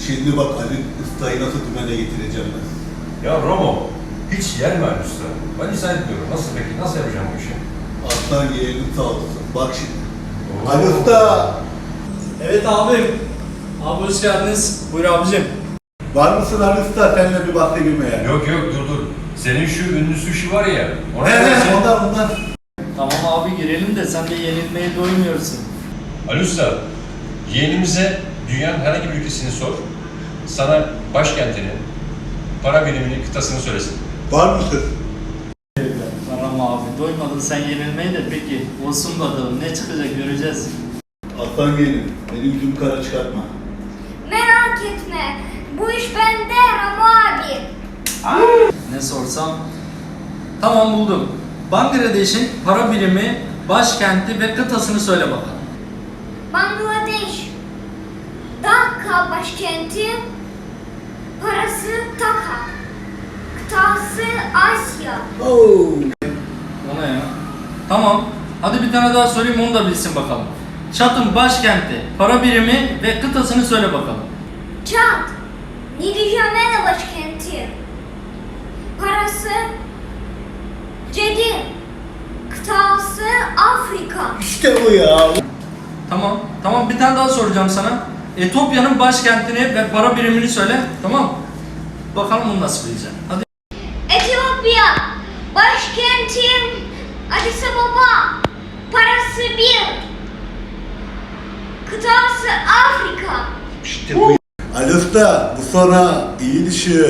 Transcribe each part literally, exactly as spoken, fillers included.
Şimdi bak Ali Usta'yı nasıl dümene getireceğim ben. Ya Romo, hiç yer mi Ali Usta? Ben izah etmiyorum. Nasıl peki? Nasıl yapacağım bu işi? Aslan yeğenin sağ olsun. Bak şimdi. Oo. Ali Usta! Evet abim. Abi hoş geldiniz. Buyur abicim. Var mısın Ali Usta seninle bir bahse girmeye? Yok yok dur dur. Senin şu ünlü sushi var ya. Ona He gelsin. he ondan ondan. Tamam abi girelim de sen de yenilmeye doymuyorsun. Ali Usta, yeğenimize dünyanın herhangi bir ülkesini sor. Sana başkentini, para birimini, kıtasını söylesin. Var mısın? Tamam abi doymadın sen yenilmeye de peki olsun bakalım ne çıkacak göreceğiz. Aslan yeğenim beni yüzümü kara çıkartma. Merak etme. Bu iş bende Ramo abi. Ne sorsam? Tamam buldum. Bangladeş'in para birimi, başkenti ve kıtasını söyle bakalım. Bangladeş. Dhaka başkenti. Parası Taka. Kıtası Asya. Oo. O ne ya? Tamam. Hadi bir tane daha sorayım onu da bilsin bakalım. Çat'ın başkenti, para birimi ve kıtasını söyle bakalım. Çad. Nidijamena başkenti. Parası Cedi. Kıtası Afrika. İşte bu ya. Tamam. Tamam bir tane daha soracağım sana. Etiyopya'nın başkentini ve para birimini söyle. Tamam. Bakalım bunu nasıl bileceksin. Hadi. Etiyopya. Başkenti Addis Ababa. Parası bir. Kıtası Afrika. İşte bu. Ali Usta bu sonra iyi düşün.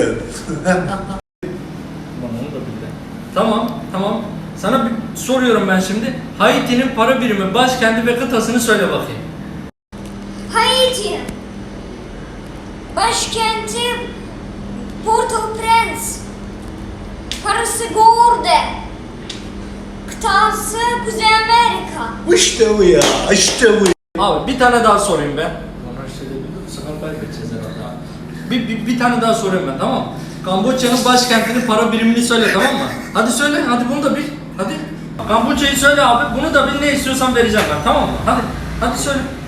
Bana onu da bildi. Tamam, tamam. Sana bir soruyorum ben şimdi. Haiti'nin para birimi, başkenti ve kıtasını söyle bakayım. Haiti. Başkenti Port-au-Prince. Parası Gourde. Kıtası Kuzey Amerika. İşte bu ya. İşte bu. Abi bir tane daha sorayım ben. Bana şey dedi, bu sefer kaybedeceğiz herhalde abi. Bir, bir, bir tane daha sorayım ben, tamam mı? Kamboçya'nın başkentinin para birimini söyle, tamam mı? Hadi söyle, hadi bunu da bil. Hadi. Kamboçya'yı söyle abi, bunu da bil, ne istiyorsan vereceğim ben, tamam mı? Hadi, hadi söyle.